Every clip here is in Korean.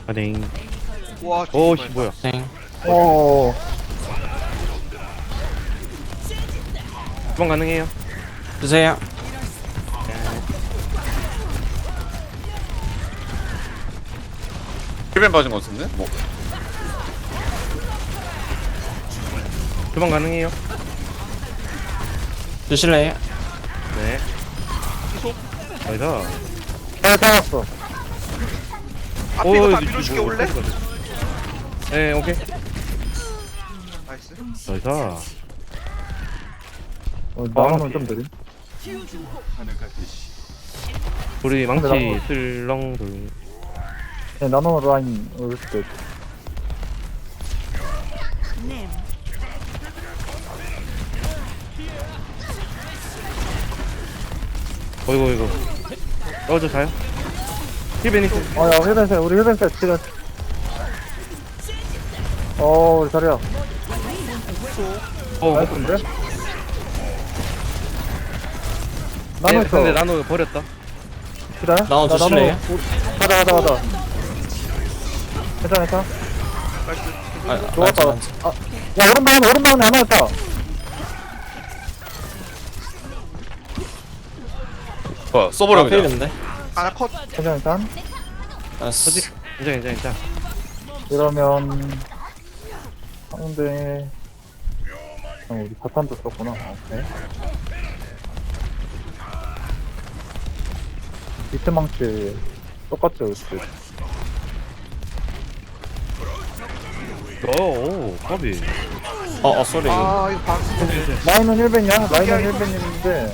가댕. 와 오씨 뭐야? 땡. 어. 주방 가능해요? 주세요. 힐벤 빠진 것 같은데? 뭐 주방 가능해요? 주실래요? 네. 나이스. 잘 살았어. 앞에 이거 다 밀어줄게 올래? 네 오케이. 나이스. 나이스. 나오면 좀 느림. 우리 망치 나무. 슬렁돌. 네, 나노 라인 올 때. 어이구. 저 자요? 힐베니스. 야, 힐벤셋, 우리 힐벤셋 지금. 우리 자리야. 나이스인데? 나노 네, 있어. 근데 나노 버렸다. 기다려. 나노 나 주실래요? 가자. 괜찮아. 아, 좋았다. 맞지. 야, 오른방에 하나 있다. 뭐야 써버려 그냥 필인데. 하나 컷. 괜찮아. 나이스. 괜찮아. 이러면 상대 우리 바탄도 썼구나. 오케이. 비트 망치 똑같죠, 그치? 오 커비. 쏘리. 아 이거 방. 라인은 1벤이야? 라인은 1벤인데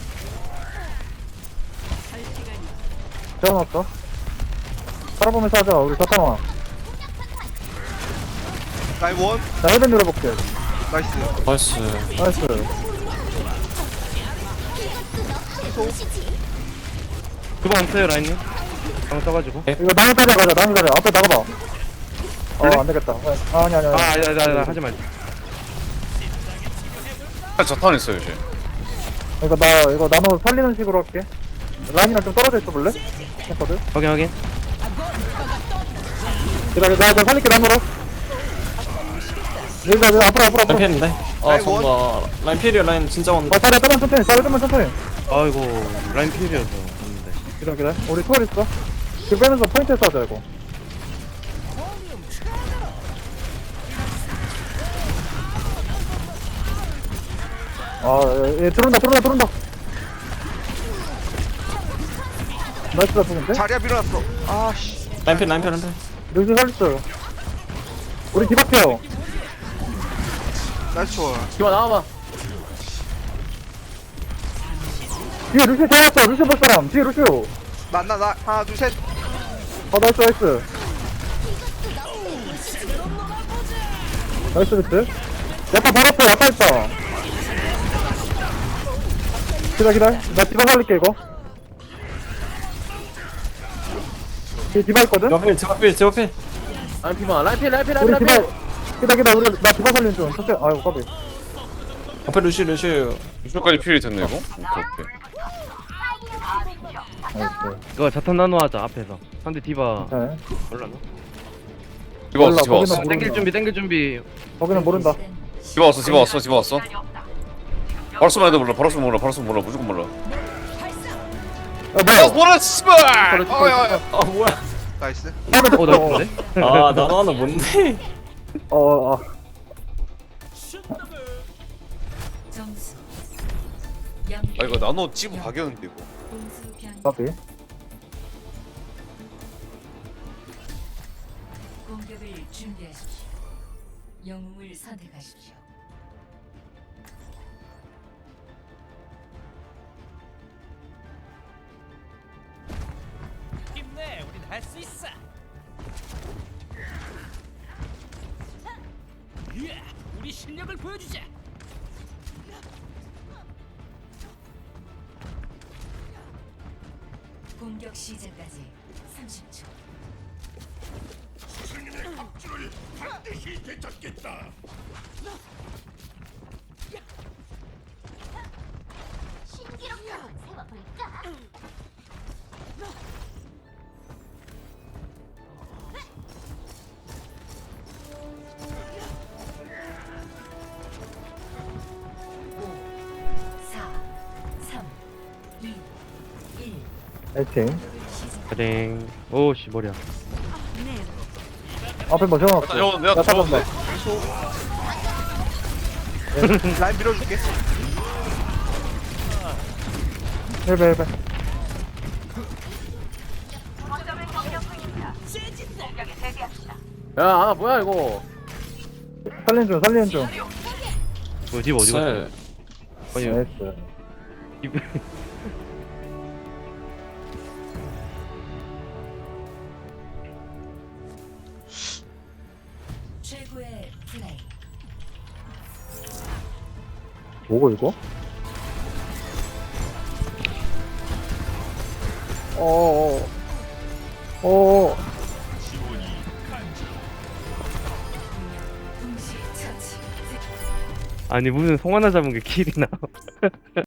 재워놨어? 살아보면서 하자. 우리 사탕아. 라인 원. 나 1벤 노려볼게. 나이스. 나이스. 나이스. 주방 없어요 라인님? 방 써가지고. 이거 나무 자리야 가자. 나무 자리야. 앞에 나가봐. 안되겠다. 아니. 아니다 하지 말자. 자탄 있어요 이제 이거 나노 살리는 식으로 할게. 라인이랑 좀 떨어져 있어 볼래? 했거든? 확인. 기다려, 나 살릴게, 나노로. 여기, 앞으로. 라인 필인데. 라인 정말 라인 필이야. 라인 진짜 온다. 자리야, 좀만 천천히. 아이고 라인 필이어서 없는데. 기다려. 우리 투어 있어. 그 빼면서 포인트 쏴줘, 이거. 얘 들어온다. 나이스 잡는데? 자리야 밀어놨어. 아씨. 라인 필. 루시 살렸어요. 우리 뒤바뀌어요. 나이스 좋아. 기와 나와봐. 뒤에 루시 세웠어. 루시 볼 사람. 뒤에 루시. 나 하나 둘 셋. 나이스. 나이스 비트. 약간 바로 앞에 약간 있다. 기다려. 나 디바 살릴게, 이거. 뒤에 디바 있거든? 제가 필. 우리 디바, 우리, 나 디바 살리는 중. 첫째, 아이고, 까비. 앞에 루시. 유쇼까지 필이 됐네 이거? 오케이 나이스. 이거 자탄 나노 하자 앞에서. 상대 디바 네. 올라나? 디바 왔어 거기는 왔어 모르겠네. 땡길 준비. 거기는 모른다. 디바 왔어 바로 쓰면 애들 몰라 바로 쓰면 몰라 무조건 몰라 뭐야? 뭐라 씨발 뭐야. 나이스. 나쁜데? 나도 하나 뭔데? 점수 아 이거 나노 찌부 박였는데 이거 공수 변 까비. 공격을 준비하십시오. 영웅을 선택하십시오. 힘내, 우린 할 수 있어. 우리 실력을 보여주자. 공격 시작까지 30초. 신기록 한번 세워볼까? 파이팅. 가댕. 오씨 머리야. 앞에 뭐 세워놨어. 저 내가 나 잡았네. 잡았네. 라인 밀어줄게. 헬베. 야 하나 뭐야 이거. 살리는 중. 어디 어디 갔어? 쎄. 아니 나이스. 최고의 플레이. 뭐고 이거? 어어어. 동시 처치. 아니 무슨 송 하나 잡은 게 킬이나?